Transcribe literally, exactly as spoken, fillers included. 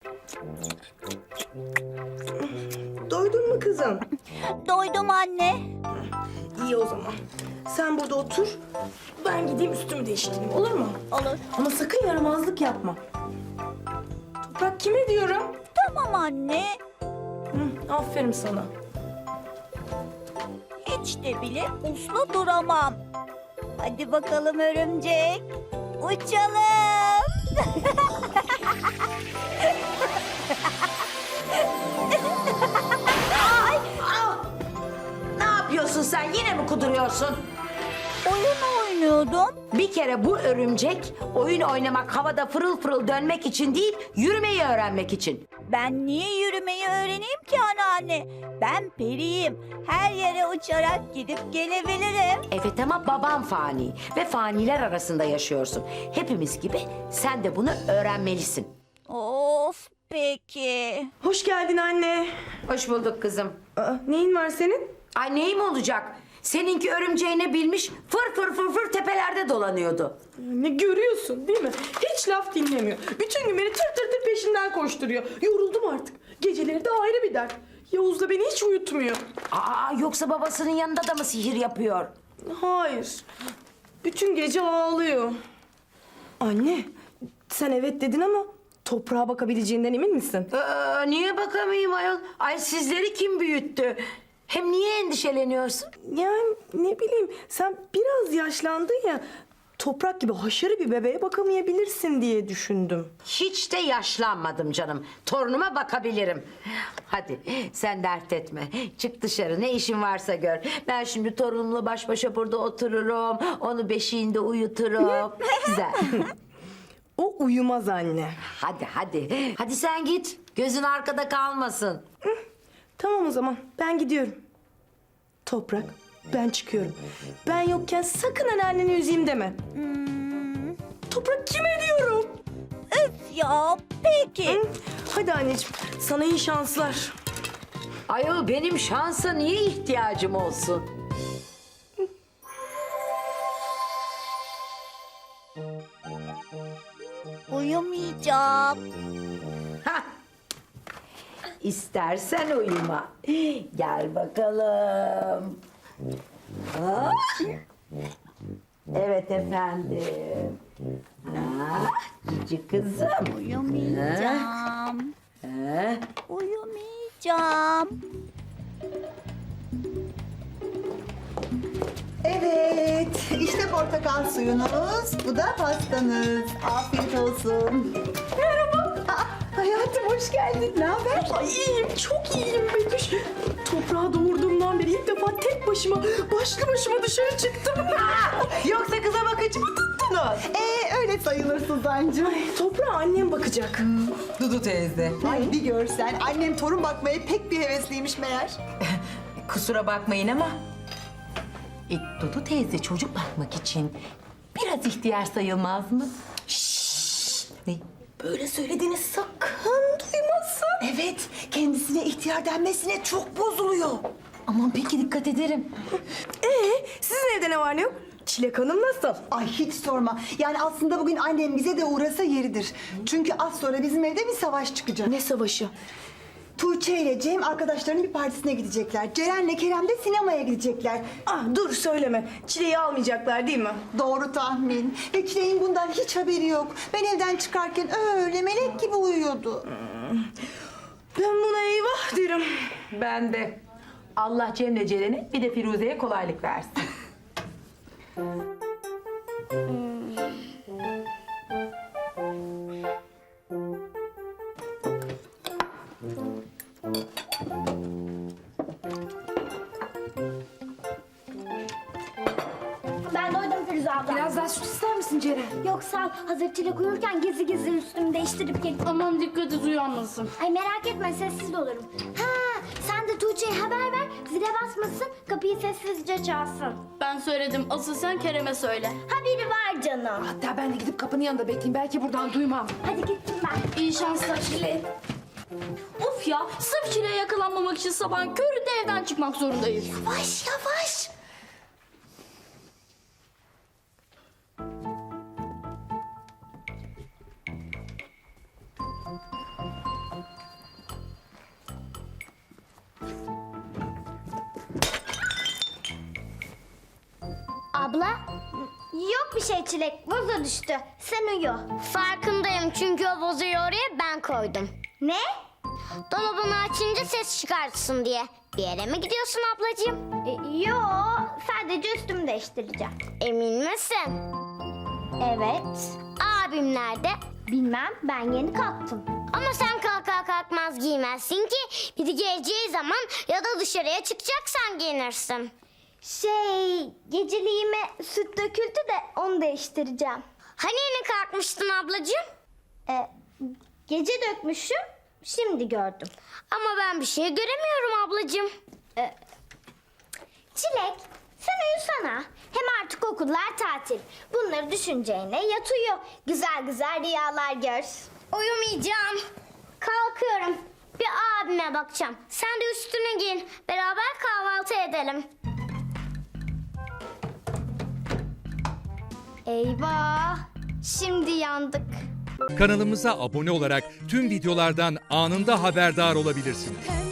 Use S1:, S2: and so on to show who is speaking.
S1: Doydun mu kızım?
S2: Doydum anne.
S1: İyi o zaman. Sen burada otur. Ben gideyim üstümü değiştireyim, olur mu?
S2: Olur.
S1: Ama sakın yaramazlık yapma. Toprak kime diyorum?
S2: Tamam anne.
S1: Hı, aferin sana.
S2: Hiç de bile uslu duramam. Hadi bakalım örümcek. Uçalım.
S3: Ne yapıyorsun sen? Yine mi kuduruyorsun?
S2: Oyun oynuyordum.
S3: Bir kere bu örümcek oyun oynamak, havada fırıl fırıl dönmek için değil, yürümeyi öğrenmek için.
S2: Ben niye yürümeyi öğreneyim ki anneanne? Ben periyim. Her yere uçarak gidip gelebilirim.
S3: Evet ama baban fani ve faniler arasında yaşıyorsun. Hepimiz gibi sen de bunu öğrenmelisin.
S2: Of peki.
S1: Hoş geldin anne.
S3: Hoş bulduk kızım.
S1: Aa, neyin var senin?
S3: Ay neyim olacak? Seninki örümceğine bilmiş fır fır fır fır tepelerde dolanıyordu.
S1: Ne görüyorsun değil mi? Hiç laf dinlemiyor. Bütün gün beni tır tır tır peşinden koşturuyor. Yoruldum artık. Geceleri de ayrı bir dert. Yavuz da beni hiç uyutmuyor.
S3: Aa yoksa babasının yanında da mı sihir yapıyor?
S1: Hayır. Bütün gece ağlıyor. Anne, sen evet dedin ama toprağa bakabileceğinden emin misin?
S3: Aa, niye bakamayayım ayol? Ay sizleri kim büyüttü? Hem niye endişeleniyorsun?
S1: Yani ne bileyim, sen biraz yaşlandın ya. Toprak gibi haşarı bir bebeğe bakamayabilirsin diye düşündüm.
S3: Hiç de yaşlanmadım canım. Torunuma bakabilirim. Hadi sen dert etme. Çık dışarı, ne işin varsa gör. Ben şimdi torunumla baş başa burada otururum. Onu beşiğinde uyuturum. Güzel.
S1: O uyumaz anne.
S3: Hadi hadi. Hadi sen git. Gözün arkada kalmasın.
S1: Tamam o zaman, ben gidiyorum. Toprak, ben çıkıyorum. Ben yokken sakın anneanneni üzeyim deme. Toprak kime diyorum?
S2: Üf ya peki.
S1: Hı? Hadi anneciğim, sana iyi şanslar.
S3: Ayol benim şansa niye ihtiyacım olsun?
S2: Uyumayacağım.
S3: Hah. İstersen uyuma. Gel bakalım. Ah. Evet efendim. Ah, cici kızım.
S2: Uyumayacağım.
S3: Ah.
S2: Uyumayacağım.
S4: Evet, işte portakal suyunuz, bu da pastanız. Afiyet olsun. Merhaba. Aa, hayatım hoş geldin. Ne haber?
S1: Ay iyiyim, çok iyiyim Betüş. Toprağı doğurduğumdan beri ilk defa tek başıma, başlı başıma dışarı çıktım.
S4: Yoksa kıza bakıcı mı tuttunuz? Ee, öyle sayılır Suzancığım.
S1: Ay, toprağa annem bakacak.
S5: Dudu teyze.
S4: Ay bir görsen, annem torun bakmaya pek bir hevesliymiş meğer.
S5: Kusura bakmayın ama... E, Dudu teyze çocuk bakmak için biraz ihtiyar sayılmaz mı? Şşş! Ne?
S4: Böyle söylediğini sakın duymasın. Evet, kendisine ihtiyar denmesine çok bozuluyor.
S5: Aman peki dikkat ederim.
S1: Ee, sizin evde ne var ne yok? Çilek Hanım nasıl?
S4: Ay hiç sorma. Yani aslında bugün annem bize de uğrasa yeridir. Çünkü az sonra bizim evde bir savaş çıkacak.
S1: Ne savaşı?
S4: Tuğçe ile Cem arkadaşlarının bir partisine gidecekler. Ceren'le Kerem de sinemaya gidecekler.
S1: Ah dur söyleme. Çileği almayacaklar değil mi?
S4: Doğru tahmin. Ve Çilek'in bundan hiç haberi yok. Ben evden çıkarken öyle melek gibi uyuyordu.
S1: Ben buna eyvah derim.
S5: Ben de. Allah Cem'le Ceren'e bir de Firuze'ye kolaylık versin.
S6: Ben doydum Firuze abla.
S7: Biraz daha süt ister misin Ceren?
S6: Yok sağ ol. Hazır Çilek uyurken gizli gizli üstümü değiştirip gelip...
S7: Aman dikkat et uyanmasın.
S6: Ay merak etme sessiz olurum. Ha, sen de Tuğçe'ye haber ver. Zile basmasın. Kapıyı sessizce çalsın.
S7: Ben söyledim. Asıl sen Kerem'e söyle.
S6: Ha biri var canım.
S7: Hatta ben de gidip kapının yanında bekleyeyim. Belki buradan duymam.
S6: Hadi gittim ben.
S7: İyi şanslar Çile. Of ya, sırf Çile'ye yakalanmamak için sabahın köründe evden çıkmak zorundayız.
S6: Yavaş yavaş. abla? Yok bir şey Çilek. Vazo düştü. Sen uyu. Farkındayım çünkü o vazoyu oraya ben koydum. Ne? Dolabını açınca ses çıkartsın diye. Bir yere mi gidiyorsun ablacığım? E, yo, sadece üstümü değiştireceğim. Emin misin? Evet. Abim nerede? Bilmem, ben yeni kalktım. Ama sen kalkar kalkmaz giymezsin ki. Biri geleceği zaman ya da dışarıya çıkacaksan giyinirsin. Şey, geceliğime süt döküldü de onu değiştireceğim. Hani yeni kalkmıştın ablacığım? E, gece dökmüşüm, şimdi gördüm. Ama ben bir şey göremiyorum ablacığım. E, Çilek, sen uyusana. Hem artık okullar tatil. Bunları düşüneceğine yat uyu. Güzel güzel rüyalar gör. Uyumayacağım. Kalkıyorum. Bir abime bakacağım. Sen de üstüne giyin. Beraber kahvaltı edelim. Eyvah! Şimdi yandık.
S8: Kanalımıza abone olarak tüm videolardan anında haberdar olabilirsiniz.